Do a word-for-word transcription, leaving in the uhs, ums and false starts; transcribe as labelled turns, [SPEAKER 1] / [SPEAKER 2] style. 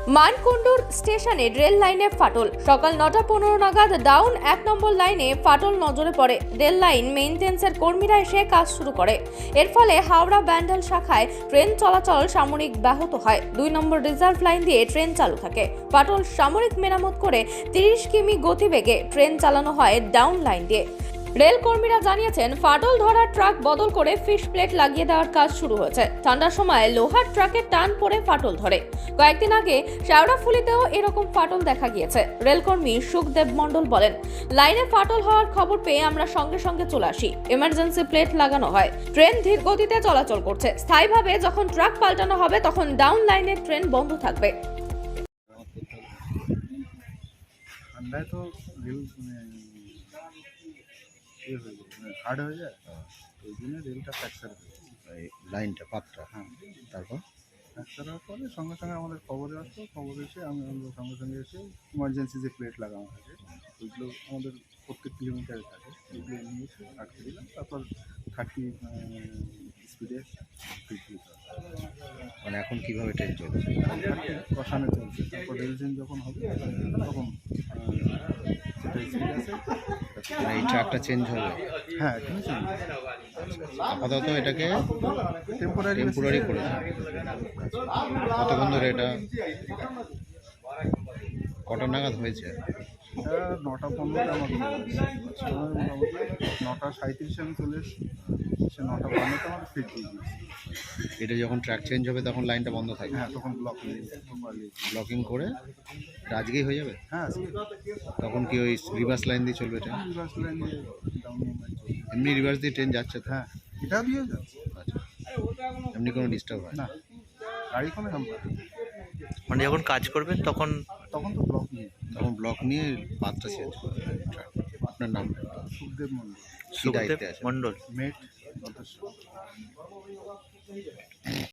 [SPEAKER 1] মানকুণ্ডুর স্টেশনে রেল লাইনে ফাটল। সকাল নটা পনেরো নাগাদ ডাউন এক নম্বর লাইনে ফাটল নজরে পড়ে। রেল লাইন মেইনটেন্সের কর্মীরা এসে কাজ শুরু করে। এর ফলে হাওড়া ব্যান্ডেল শাখায় ট্রেন চলাচল সাময়িক ব্যাহত হয়। দুই নম্বর রিজার্ভ লাইন দিয়ে ট্রেন চালু থাকে। ফাটল সাময়িক মেরামত করে তিরিশ কিমি গতিবেগে ট্রেন চালানো হয় ডাউন লাইন দিয়ে। রেল কর্মীরা জানিয়েছেন, ফাটল ধরা ট্রাক বদল করে ফিশ প্লেট লাগিয়ে দেওয়ার কাজ শুরু হয়েছে। ঠান্ডার সময় লোহার ট্রাকের টান পড়ে ফাটল ধরে। কয়েকদিন আগে শেওড়াফুলিতেও এরকম ফাটল দেখা গিয়েছে। রেলকর্মী সুখদেব মণ্ডল বলেন, লাইনে ফাটল হওয়ার খবর পেয়ে আমরা সঙ্গে সঙ্গে চলে আসি। এমার্জেন্সি প্লেট লাগানো হয়। ট্রেন ধীর গতিতে চলাচল করছে। স্থায়ীভাবে যখন ট্রাক পাল্টানো হবে তখন ডাউন লাইনের ট্রেন বন্ধ থাকবে।
[SPEAKER 2] ঠান্ডায় তো রেল হার্ড হয়ে যায়, ওই জন্য রেলটা ফ্র্যাকচার হয়ে যায়,
[SPEAKER 3] লাইনটা পাতটা।
[SPEAKER 2] হ্যাঁ।
[SPEAKER 3] তারপর
[SPEAKER 2] ফ্র্যাকচার হওয়ার পরে সঙ্গে সঙ্গে আমাদের খবরে আসতো, খবর এসে আমি আমরা সঙ্গে সঙ্গে এসে ইমার্জেন্সি যে প্লেট লাগানো থাকে ওইগুলো আমাদের প্রত্যেক কিলোমিটারে থাকে, ওইগুলো নিয়ে এসে আটকে দিলাম। তারপর থার্টি স্পিডে ফিট দিতে হবে।
[SPEAKER 3] মানে এখন কিভাবে ট্রেন চলছে?
[SPEAKER 2] কষানো চলছে। তারপর রেল চেঞ্জ যখন হবে তখন যেটা স্পিড আছে
[SPEAKER 3] মানে এই ট্রাকটা চেঞ্জ হবে?
[SPEAKER 2] হ্যাঁ এখানে চেঞ্জ
[SPEAKER 3] আপাতত এটাকে
[SPEAKER 2] টেম্পোরারি
[SPEAKER 3] টেম্পোরারি করেছে। কতক্ষণ ধরে এটা কটা নাগাদ হয়েছে?
[SPEAKER 2] এটা নটা পনেরোটা আমাকে মোটামুটি নটা সাঁত্রিশে আমি চলে এসেছি, সে নটা বান্নতে আমার ফিট দিয়ে দিয়েছি।
[SPEAKER 3] এটা যখন ট্র্যাক চেঞ্জ হবে তখন লাইনটা বন্ধ থাকবে?
[SPEAKER 2] হ্যাঁ তখন ব্লক নিয়ে প্রপারলি
[SPEAKER 3] ব্লকিং করে এটা আজকেই হয়ে যাবে?
[SPEAKER 2] হ্যাঁ
[SPEAKER 3] তখন কি ওই রিভার্স লাইন দিয়ে চলবে ট্রেন?
[SPEAKER 2] রিভার্স লাইন দিয়ে ডাউন মুভমেন্ট চলছে।
[SPEAKER 3] এমনি রিভার্স দিয়ে ট্রেন যাচ্ছে তো?
[SPEAKER 2] হ্যাঁ এটা দিয়ে যাচ্ছে।
[SPEAKER 3] আচ্ছা, এমনি কোনো ডিস্টার্ব হয় না?
[SPEAKER 2] না গাড়ি কোনো হাম্পার,
[SPEAKER 4] মানে যখন কাজ করবেন তখন
[SPEAKER 2] তখন তো ব্লক নিয়ে
[SPEAKER 3] তখন ব্লক নিয়ে পাতটা চেঞ্জ করবে। আপনার নাম?
[SPEAKER 2] সুখদেব মন্ডল,
[SPEAKER 3] কি দায়িত্বে আছে?
[SPEAKER 4] মন্ডল
[SPEAKER 2] মেট সদস্য।